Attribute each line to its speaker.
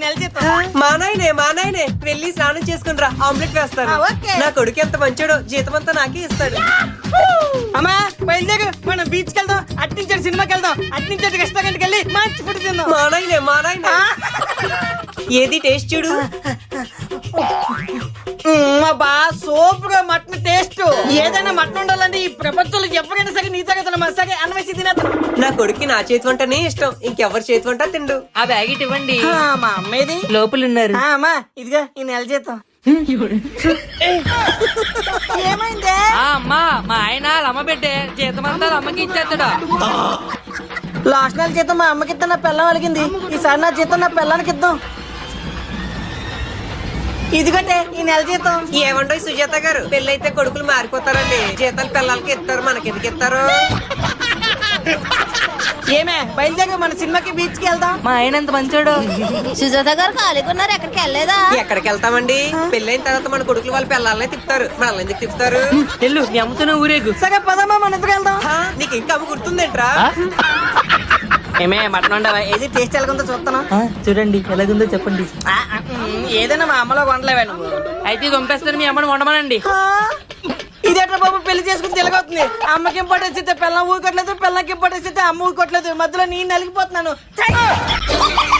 Speaker 1: నెల జీతం.
Speaker 2: మా నాయనే వెళ్ళి స్నానం చేసుకుని రా, ఆమ్లెట్ వేస్తాను. నా కొడుకు ఎంత మంచోడో, జీతం అంతా నాకే ఇస్తాడు.
Speaker 1: అమ్మా బయలుదేరు, మనం బీచ్ కి వెళ్దాం, అట్నుంచి సినిమాకి వెళ్దాం, అట్నుంచి రెస్టారెంట్ కి వెళ్ళి మంచి ఫుడ్ తిందాం.
Speaker 2: మా నాయనే ఏది టేస్ట్ చూడు.
Speaker 1: బా సూపర్ గా మటన్ టేస్ట్. ఏదైనా మటన్ ఉండాలంటే ఈ ప్రపంచంలో ఎవరైనా సరే నీ తగ్గ మసాగా అన్వేషి తినేద్దాం.
Speaker 2: నా కొడుక్కి నా చేతి వంటనే ఇష్టం, ఇంకెవరి చేతి వంట తిండు.
Speaker 3: ఆ బ్యాగ్ ఇవ్వండి,
Speaker 1: మా అమ్మేది
Speaker 3: లోపల ఉన్నారు.
Speaker 1: అమ్మా ఇదిగా ఈ నెల జీతం. ఏమైందే?
Speaker 3: అమ్మా మా ఆయన అమ్మ పెట్టే జీతం అంతా అమ్మకి ఇచ్చేస్తాడు.
Speaker 1: లాస్ట్ నెల జీతం మా అమ్మకి ఇద్దాం, నా పిల్లం అలిగింది. ఈసారి నా జీతం నా పిల్లానికి ఇద్దాం. ఇదిగంటే ఈ నెల జీతం.
Speaker 2: ఏమండో సుజాత గారు, పెళ్ళైతే కొడుకులు మారిపోతారండి, జీతాలు పిల్లలకి ఇస్తారు, మనకెందుకు ఇస్తారు?
Speaker 1: ఏమే బయలుదేరి మన సినిమాకి బీచ్ కి వెళ్దాం.
Speaker 3: మా ఆయన ఎంత మంచోడు.
Speaker 4: సుజాత గారు ఖాళీగా ఉన్నారు, ఎక్కడికి వెళ్ళలేదా?
Speaker 2: ఎక్కడికి వెళ్తామండి? పెళ్ళైన తర్వాత మన కొడుకులు వాళ్ళ పిల్లల్ని తిప్పుతారు, మనల్ని ఎందుకు తిప్పుతారు?
Speaker 3: వెళ్ళు, మీ అమ్మతోనే ఊరేగు.
Speaker 1: సరే పదమ్మా మన ఇద్దరు వెళ్దాం.
Speaker 2: నీకు ఇంకా అమ్మ గుర్తుందేంట్రా?
Speaker 1: ఏమే మటన్ ఉండవా? ఏది టేస్ట్ ఎలాగుందో చూస్తాను.
Speaker 3: చూడండి ఎలాగుందో చెప్పండి.
Speaker 1: ఏదైనా మా అమ్మలో వండలేవా నువ్వు?
Speaker 3: అయితే పంపేస్తారు, మీ అమ్మని వండమనండి.
Speaker 1: ఇదేట్రా బాబు, పెళ్లి చేసుకుని తిరగవుతుంది. అమ్మకి ఇంపార్టెన్స్ ఇస్తే పిల్లలు ఊరుకోట్లేదు, పిల్లలకి ఇంపార్టెన్స్ ఇస్తే అమ్మ ఊరుకోట్లేదు. మధ్యలో నేను నలిగిపోతున్నాను.